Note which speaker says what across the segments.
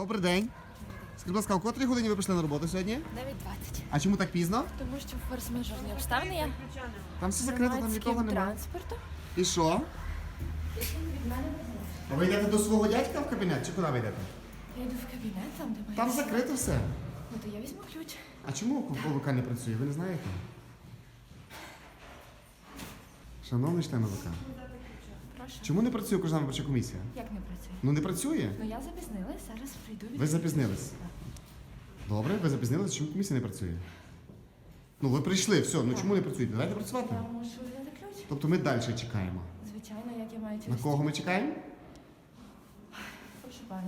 Speaker 1: Добрий день. Скажіть, будь ласка, о котрій годині ви прийшли на роботу сьогодні?
Speaker 2: 9:20.
Speaker 1: А чому так пізно?
Speaker 2: Тому що форс-мажорні обставини є.
Speaker 1: Там все закрито, там нікого
Speaker 2: Громадським
Speaker 1: немає.
Speaker 2: транспортом.
Speaker 1: І що? А ви йдете до свого дядька в кабінет чи куди ви йдете?
Speaker 2: Я йду в кабінет, там де має.
Speaker 1: Там закрито все.
Speaker 2: Ну то я візьму ключ.
Speaker 1: А чому ОВК не працює? Ви не знаєте? Шановний член ОВК,
Speaker 2: Прошу.
Speaker 1: чому не працює окружна виборча комісія?
Speaker 2: Як не працює?
Speaker 1: Ну не працює.
Speaker 2: Ну я запізнилась, зараз прийду від.
Speaker 1: Ви запізнились. Добре, ви запізнились, чому комісія не працює? Ну ви прийшли, все, ну чому не працюєте? Давайте працювати.
Speaker 2: Я можу взяти ключ.
Speaker 1: Тобто ми далі чекаємо.
Speaker 2: Звичайно, як я маю
Speaker 1: На
Speaker 2: через.
Speaker 1: кого ми чекаємо?
Speaker 2: Прошу пане.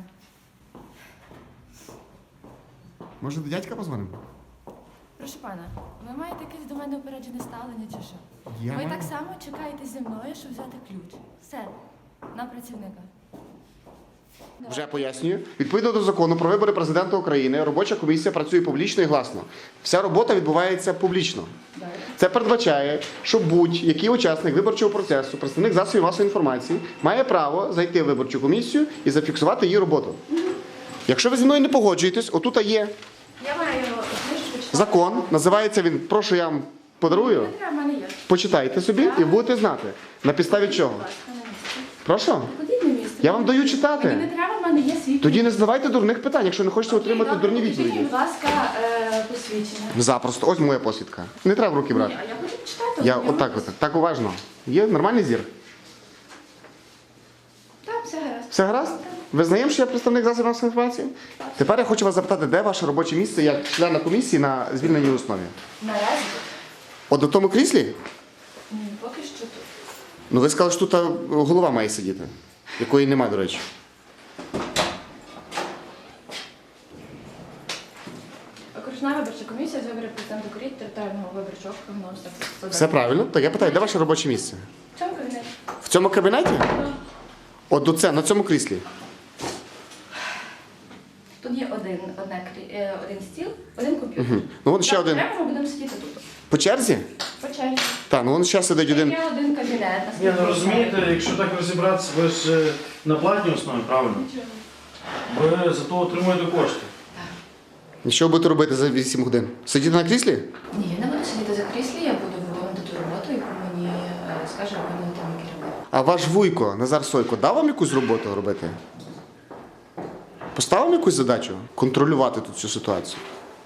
Speaker 1: Може до дядька позвонимо?
Speaker 2: Прошу пана, ви маєте якесь до мене упереджене ставлення чи що?
Speaker 1: Я
Speaker 2: Ви
Speaker 1: маю.
Speaker 2: так само чекаєте зі мною, щоб взяти ключ. Все, на працівника.
Speaker 1: Вже пояснюю. Відповідно до закону про вибори президента України, робоча комісія працює публічно і гласно. Вся робота відбувається публічно. Це передбачає, що будь-який учасник виборчого процесу, представник засобів масової інформації, має право зайти в виборчу комісію і зафіксувати її роботу. Якщо ви зі мною не погоджуєтесь, отут є
Speaker 2: Я маю книжку читати.
Speaker 1: закон, називається він «Прошу, я вам подарую».
Speaker 2: Не треба, в мене є.
Speaker 1: Почитайте собі і будете знати, на підставі чого.
Speaker 2: Будь ласка, на місці.
Speaker 1: Прошу?
Speaker 2: Ходіть на місце.
Speaker 1: Я вам даю
Speaker 2: Мені
Speaker 1: читати.
Speaker 2: не треба, в мене є свій.
Speaker 1: Тоді не задавайте дурних питань, якщо не хочете отримати
Speaker 2: Добре,
Speaker 1: дурні
Speaker 2: покажіть,
Speaker 1: відповіді.
Speaker 2: будь ласка, посвідчення.
Speaker 1: Запросто. Ось моя посвідка. Не треба в руки
Speaker 2: Ні,
Speaker 1: брати.
Speaker 2: а я хочу читати.
Speaker 1: Я
Speaker 2: ознайомитись.
Speaker 1: отак, так уважно. Є нормальний зір?
Speaker 2: Так, все гаразд.
Speaker 1: Все гаразд? Ви знаємо, що я представник засобів масової інформації? Тепер я хочу вас запитати, де ваше робоче місце як члена комісії на звільненій основі?
Speaker 2: Наразі?
Speaker 1: От у тому кріслі?
Speaker 2: Ні, поки що тут.
Speaker 1: Ну ви сказали, що тут голова має сидіти, якої немає, до речі.
Speaker 2: Окружна виборча комісія з виборів президента України територіального виборчого округу номер 100.
Speaker 1: Все правильно? Так я питаю, де ваше робоче місце?
Speaker 2: В цьому кабінеті?
Speaker 1: В цьому кабінеті? От до це, на цьому кріслі.
Speaker 2: Тут є один стіл, один комп'ютер.
Speaker 1: Ну вон ще
Speaker 2: Так,
Speaker 1: один.
Speaker 2: Треба, ми будемо сидіти тут.
Speaker 1: По черзі?
Speaker 2: По черзі.
Speaker 1: Так, ну вон ще сидить один.
Speaker 2: Є один кабінет.
Speaker 3: Ні,
Speaker 2: наскільки
Speaker 3: ну
Speaker 2: я
Speaker 3: розумієте,
Speaker 2: знаю.
Speaker 3: якщо так розібратися, ви ж на платній основі, правильно? Ви за то отримуєте кошти.
Speaker 1: І що ви будете робити за 8 годин? Сидіти на кріслі?
Speaker 2: Ні, я не буду сидіти за кріслі, я буду виконувати ту роботу, яку мені скаже виконувати мій керівник.
Speaker 1: А ваш вуйко, Назар Сойко, дав вам якусь роботу робити? Поставив якусь задачу контролювати тут цю ситуацію?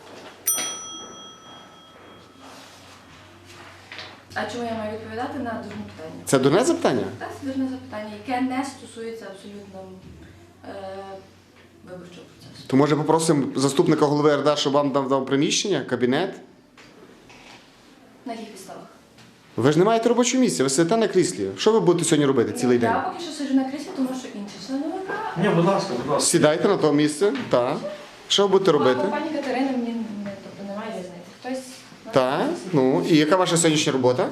Speaker 2: А чому я маю відповідати на дурне питання?
Speaker 1: Це дурне запитання?
Speaker 2: Так, це дурне запитання, яке не стосується абсолютно виборчого процесу.
Speaker 1: То може попросимо заступника голови РДА, щоб вам дав приміщення, кабінет?
Speaker 2: На яких підставах?
Speaker 1: Ви ж не маєте робочого місця, ви сидите на кріслі. Що ви будете сьогодні робити цілий день?
Speaker 2: Я поки що сиджу на кріслі, тому що інші члени ВК.
Speaker 3: Ні, будь ласка, будь ласка.
Speaker 1: Сідайте на то місце, так. Що ви будете робити?
Speaker 2: Пані Катерина мені тобто, немає різниці. Хтось...
Speaker 1: Так, ну і яка ваша сьогоднішня робота?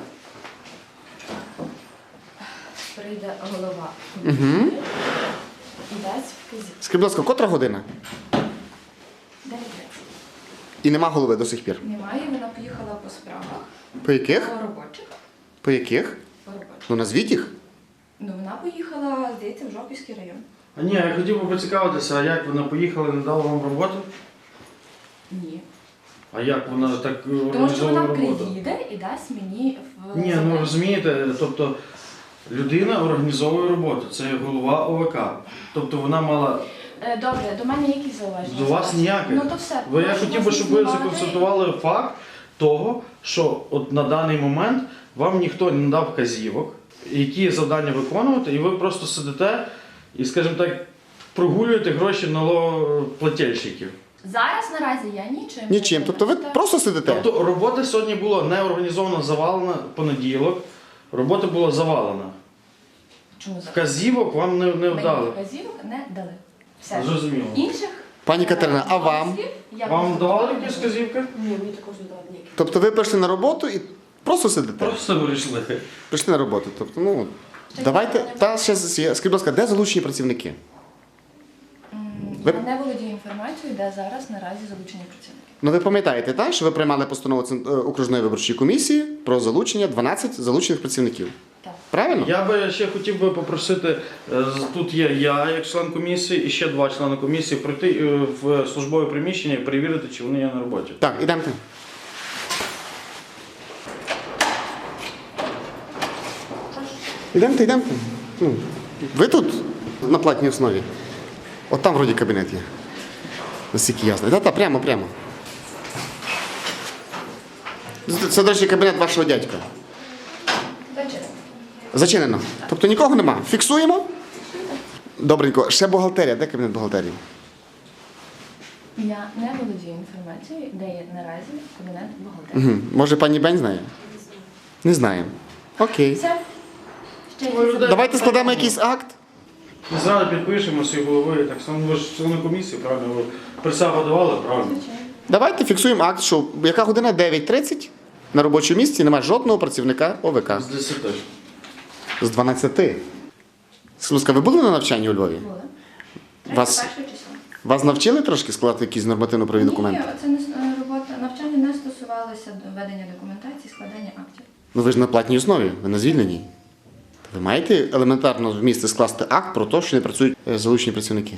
Speaker 2: Прийде голова
Speaker 1: Угу.
Speaker 2: і дасть вказівку.
Speaker 1: Скажіть, будь ласка, котра година?
Speaker 2: 9:30.
Speaker 1: І нема голови до сих пір.
Speaker 2: Немає, вона поїхала по справах.
Speaker 1: По яких?
Speaker 2: По робочих.
Speaker 1: По яких?
Speaker 2: По робочих.
Speaker 1: Ну назвіть їх.
Speaker 2: Ну, вона поїхала, здається, в Жовківський район.
Speaker 3: А ні, я хотів би поцікавитися, а як вона поїхала і не дала вам роботу?
Speaker 2: Ні.
Speaker 3: А як вона так
Speaker 2: Тому що
Speaker 3: організовує
Speaker 2: вона
Speaker 3: роботу?
Speaker 2: приїде і дасть мені в
Speaker 3: Ні, ну розумієте, тобто людина організовує роботу, це голова ОВК. Тобто вона мала
Speaker 2: Добре, до мене які зауваження?
Speaker 3: до вас ніяких.
Speaker 2: Ну то все.
Speaker 3: Я
Speaker 2: Прошу
Speaker 3: хотів би,
Speaker 2: вас
Speaker 3: щоб ви
Speaker 2: знімати.
Speaker 3: законстатували факт того, що от на даний момент вам ніхто не дав вказівок, які завдання виконувати, і ви просто сидите і, скажімо так, прогулюєте гроші налогоплательщиків.
Speaker 2: Зараз наразі я нічим. не
Speaker 1: Нічим. Тобто ви
Speaker 2: займаюся.
Speaker 1: просто сидите.
Speaker 3: Тобто робота сьогодні була не організована, завалена понеділок. Робота була завалена.
Speaker 2: Чому зараз?
Speaker 3: Вказівок вам не
Speaker 2: Мені
Speaker 3: вдали.
Speaker 2: вказівок не дали. Все.
Speaker 3: Зрозуміло.
Speaker 2: Інших
Speaker 1: Пані Катерина, а вам?
Speaker 2: я
Speaker 3: Вам
Speaker 2: просто
Speaker 3: давали
Speaker 2: не
Speaker 3: якісь
Speaker 2: буду.
Speaker 3: вказівки?
Speaker 2: Ні, мені також не дали ніяких.
Speaker 1: Тобто ви прийшли на роботу і просто сидите?
Speaker 3: Просто вирішили.
Speaker 1: Прийшли на роботу. Тобто, ну, давайте, та ще, скажіть, будь ласка, де залучені працівники? Ви-
Speaker 2: Я не володію інформацією, де зараз наразі залучені працівники.
Speaker 1: Ну ви пам'ятаєте, так, що ви приймали постанову окружної виборчої комісії про залучення 12 залучених працівників?
Speaker 2: Так.
Speaker 1: Правильно?
Speaker 3: Я би ще хотів би попросити, тут є я як член комісії і ще 2 члени комісії прийти в службове приміщення і перевірити, чи вони є на роботі.
Speaker 1: Так, ідемте. Ідемте. Ну, ви тут на платній основі. От там вроді кабінет є. Наскільки ясно. Та, прямо. Це, до речі, кабінет вашого дядька.
Speaker 2: Зачем?
Speaker 1: Зачинено. Тобто нікого нема. Фіксуємо? Добренько. Ще бухгалтерія. Де кабінет бухгалтерії?
Speaker 2: Я не володію інформацією, де є наразі кабінет бухгалтерії.
Speaker 1: Угу. Може, пані Бень знає? Не знає. Окей.
Speaker 2: Все? Ще
Speaker 3: Ой,
Speaker 2: якісь
Speaker 3: людей.
Speaker 2: запитання?
Speaker 1: Давайте складемо якийсь акт.
Speaker 3: Ми зараз підпишемо з головою, так само ви ж члени комісії, правильно? Ви присягу давали, правильно?
Speaker 2: Звичайно.
Speaker 1: Давайте фіксуємо акт, що яка година 9:30 на робочому місці немає жодного працівника ОВК.
Speaker 3: З 10.
Speaker 1: З 12. Слузка, ви були на навчанні у Львові?
Speaker 2: Були.
Speaker 1: Вас-
Speaker 2: 31 число.
Speaker 1: Вас навчили трошки складати якісь нормативно-правові документи?
Speaker 2: Ні, це не робота. Навчання не стосувалося ведення документації, складання актів.
Speaker 1: Ну ви ж на платній основі, ви на звільненій. Ви маєте елементарно в місті скласти акт про те, що не працюють залучені працівники.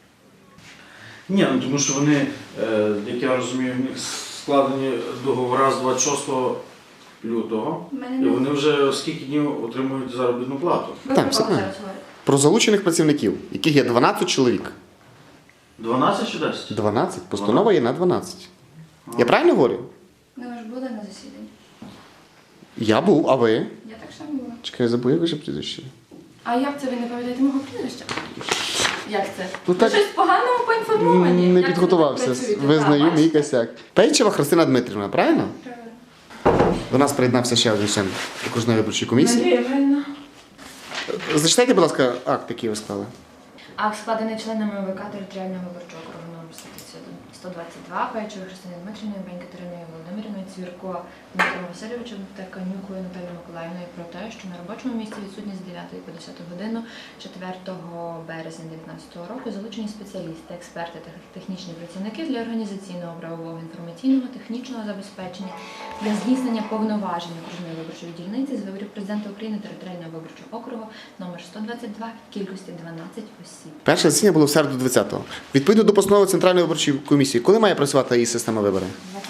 Speaker 3: Ні, ну тому що вони, як я розумію, в них складені договори з 26 лютого,
Speaker 2: У мене
Speaker 3: і
Speaker 2: не-
Speaker 3: вони вже скільки днів отримують заробітну плату?
Speaker 2: Ви
Speaker 1: Так,
Speaker 2: про
Speaker 1: все
Speaker 2: кого
Speaker 1: правильно.
Speaker 2: зараз говорите?
Speaker 1: Про залучених працівників, яких є 12 чоловік.
Speaker 3: 12 чи 10?
Speaker 1: 12. Постанова є на 12. Я правильно говорю?
Speaker 2: Ну, ви ж були на засіданні.
Speaker 1: Я був, а ви?
Speaker 2: Я так само була.
Speaker 1: Чекай, я забув, як ви вже прізвище.
Speaker 2: А як це ви не пам'ятаєте мого прізвища? Як це?
Speaker 1: Ну,
Speaker 2: Ви
Speaker 1: так-
Speaker 2: щось поганому поінформовані?
Speaker 1: Не
Speaker 2: Як це
Speaker 1: підготувався.
Speaker 2: ви так працюєте?
Speaker 1: Визнаю
Speaker 2: Так,
Speaker 1: мій
Speaker 2: бачите?
Speaker 1: косяк. Пейчева Христина Дмитрівна, правильно?
Speaker 2: Правильно.
Speaker 1: До нас приєднався ще один член окружної виборчої комісії.
Speaker 2: Надія Євгенівна.
Speaker 1: Зачитайте, будь ласка, акт, який ви склали.
Speaker 2: Акт складений членами ОВК територіального виборчого округу номер 122, Пейчевою Христиною Дмитрівною, Бень Катериною Володимирівною, Цвірко Дмитром Васильовичем та Канюкою Наталією Миколаївною про те, що на робочому місці відсутні з 9 по 10 годину 4 березня 2019 року залучені спеціалісти, експерти та технічні працівники для організаційного, правового, інформаційного, технічного забезпечення для здійснення повноважень окружної виборчої дільниці з виборів президента України територіального виборчого округу номер 122 в кількості 12 осіб.
Speaker 1: Перше засідання було в середу 20-го. Відповідно до постанови Центральної виборчої комісії, коли має працювати її система виборів?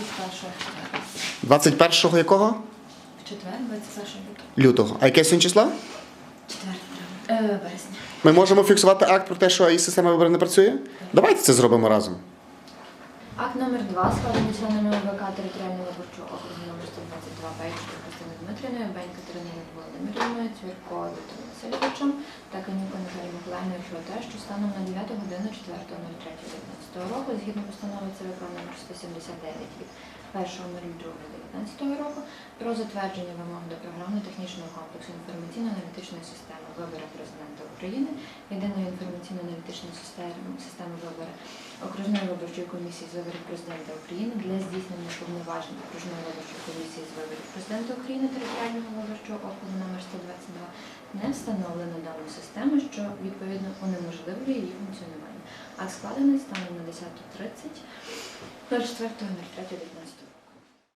Speaker 2: 21
Speaker 1: 21-го якого?
Speaker 2: в четвер, 21
Speaker 1: Лютого. А яке сьогодні число?
Speaker 2: 4 березня.
Speaker 1: Ми можемо фіксувати акт про те, що її система виборів не працює? Давайте це зробимо разом.
Speaker 2: Акт номер 2 складений членами ОВК територіального виборчого округу номер 122 Пейчевою Христиною Дмитрівною, Бень Катериною Володимирівною, Цвірко Віктором Васильовичем та Канюкою Наталією Миколаївною про те, що станом на 9 годину 4.03.19 року, згідно постанови ЦВК номер 179 від 1.02.19 року, про затвердження вимог до програмно-технічного комплексу інформаційно-аналітичної системи виборів президента України, єдиної інформаційно-аналітичної системи виборів окружної виборчої комісії з виборів президента України для здійснення повноважень окружної виборчої комісії з виборів президента України територіального виборчого округу номер 122 не встановлено дану систему, що відповідно унеможливлює її функціонування. Акт складений станом на 10.30 04.03.19.